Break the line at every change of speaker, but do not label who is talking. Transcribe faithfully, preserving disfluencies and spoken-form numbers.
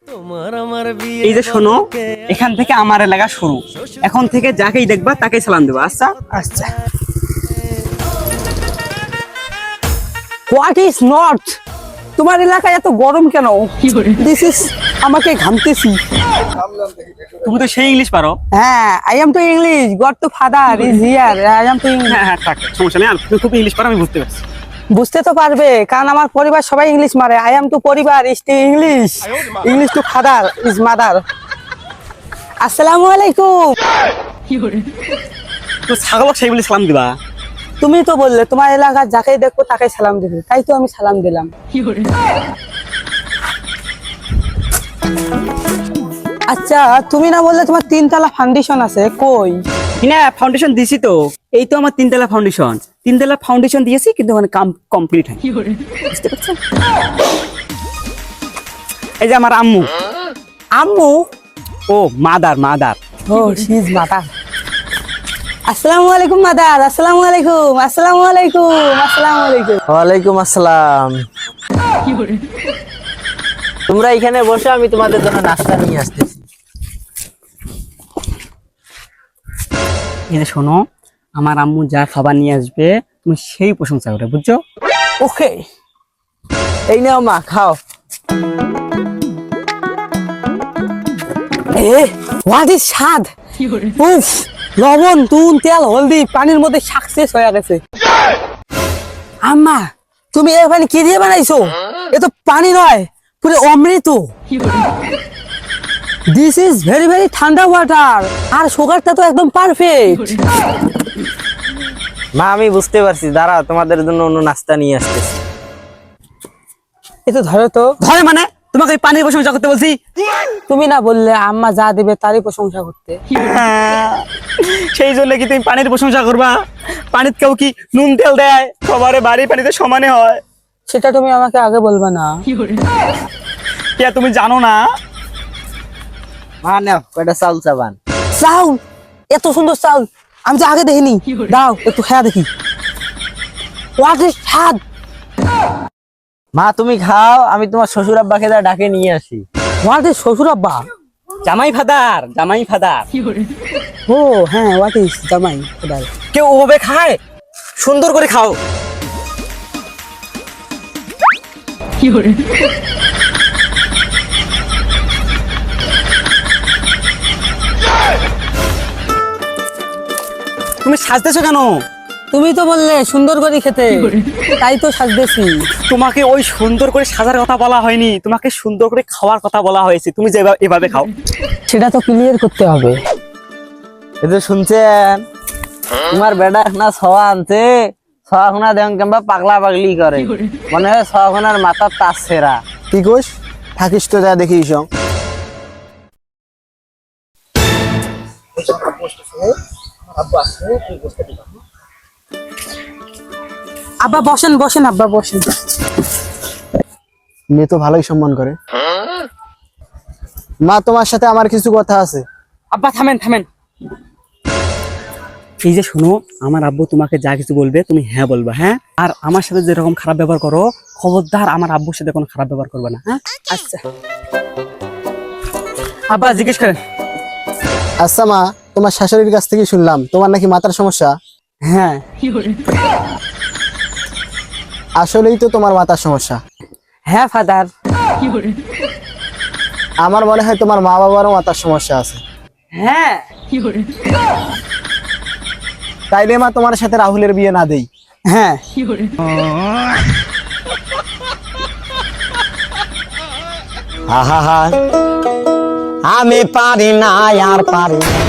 এই যে শোনো, এখান থেকে আমার এলাকা শুরু। এখন থেকে যাকেই দেখবা তাকেই সালাম দেবা। আচ্ছা
আচ্ছা। What is north? তোমার এলাকায় এত গরম কেন? দিস ইজ আমাকে ঘামতেছি।
তুমি তো সেই ইংলিশ পারো।
হ্যাঁ, I am to English, god to father is here, I am to English.
হ্যাঁ হ্যাঁ, থাক, সমস্যা নেই। তুমি খুব ইংলিশ পারো, আমি বুঝতে পারছি।
বুঝতে তো পারবে, কারণ আমার পরিবার সবাই ইংলিশ মারে। আই এম টু পরিবার is to English, English to father is mother. আসসালামু আলাইকুম।
তো ছাগলক সেই বলে সালাম দিবা?
তুমি তো বললে তোমার এলাকার যাকেই দেখবো তাকে সালাম দেবে, তাই তো আমি সালাম দিলাম। আচ্ছা, তুমি না বললে তোমার তিনতলা ফাউন্ডেশন আছে, কই?
না, ফাউন্ডেশন দিছি তো। এই তো আমার তিনতলা ফাউন্ডেশন। তিনতলা ফাউন্ডেশন দিয়েছি, কিন্তু ওখানে কাম কমপ্লিট হয়। বুঝতে পারছো? এই যে আমার আম্মু।
আম্মু?
ও মাদার, মাদার।
ও শি ইজ মাদার। আসসালামু আলাইকুম মাদার। আসসালামু আলাইকুম, আসসালামু আলাইকুম, আসসালামু আলাইকুম।
ওয়ালাইকুম আসসালাম। তোমরা এখানে বসে, আমি তোমাদের জন্য নাস্তা নিয়ে আসতেছি।
এই যে শোনো, আমার আম্মু যা খাবার নিয়ে আসবে তুমি সেই প্রশংসা করে, বুঝছো?
ওকে,
এই নাও মা, খাও।
এ হোয়াট ইজ স্বাদ! উফ, লবণ, নুন, তেল, হলদি, পানির মধ্যে সাকসেস হয়ে গেছে। আম্মা, তুমি এই পানি কি দিয়ে বানাইছো? এ তো পানি নয়, পুরো অমৃত। দিস ইজ ভেরি ভেরি ঠান্ডা ওয়াটার, আর সুগারটা তো একদম পারফেক্ট।
মা, আমি বুঝতে পারছি, দাঁড়াও, তোমাদের জন্য অন্য নাস্তা নিয়ে আসতেছি।
এ তো ধরো তো।
ধরে মানে? তোমাকে এই পানির প্রশংসা করতে বলছি?
তুমি না বললে আম্মা যা দিবে তারই প্রশংসা করতে?
সেই জন্য কি তুমি পানির প্রশংসা করবা? পানির কেউ কি নুন তেল দেয়? সবার বাড়ি পানিতে সমানে হয়।
সেটা তুমি আমাকে আগে বলবা না?
কে, তুমি জানো না?
মা নাও কয়টা চাউল চাবান।
চাউল? এত সুন্দর চাউল আমি তো আগে দেখিনি। দাও একটু খেয়া দেখি। হোয়াট ইজ স্বাদ!
মা তুমি খাও, আমি তোমার শ্বশুর আব্বাকে যা ডাকে নিয়ে আসি।
হোয়াট ইজ শ্বশুর আব্বা?
জামাই ফাদার, জামাই ফাদার।
ও হ্যাঁ, হোয়াট ইজ জামাই ফাদার।
কেউ ওভাবে খায়? সুন্দর করে খাও। তুমি সাজতেছো কেন?
তুমি তো বললে সুন্দর করে খেতে, তাই তো সাজতেছি।
তোমাকে ওই সুন্দর করে সাজার কথা বলা হয়নি, তোমাকে সুন্দর করে খাওয়ার কথা বলা হয়েছে। তুমি যে এভাবে খাও।
সেটা তো ক্লিয়ার করতে হবে।
এই তো শুনছেন, তোমার বেটা না ছওয়া আনছে, ছওয়াখানা দেন কেমবা পাগলা পাগলি করে, মনে হয় ছওয়াখানার মাথার তাস ছেঁড়া।
কি কইস? থাকিস তো যা দেখিস।
আব্বা বসেন, বসেন আব্বা বসেন।
মেয়ে তো ভালোই সম্মান করে। মা, তোমার সাথে আমার কিছু কথা আছে।
আব্বা থামেন, থামেন। এই যে শোনো, আমার আব্বু তোমাকে যা কিছু বলবে তুমি হ্যাঁ বলবা, হ্যাঁ? আর আমার সাথে যেরকম খারাপ ব্যবহার করো, খবরদার আমার আব্বুর সাথে কোনো খারাপ ব্যবহার করবে না, হ্যাঁ?
আচ্ছা
আব্বা জিজ্ঞেস করেন।
আচ্ছা মা, তোমার শাশুড়ির কাছ থেকে শুনলাম তোমার নাকি মাথার সমস্যা।
হ্যাঁ,
আসলেই তো তোমার মাথার সমস্যা।
হ্যাঁ ফাদার।
আমার মনে হয় তোমার মা বাবারও মাথার সমস্যা আছে।
হ্যাঁ,
তাইলে মা তোমার সাথে রাহুলের বিয়ে না দেই?
হ্যাঁ।
আহা, আমি পারি না আর পারি না।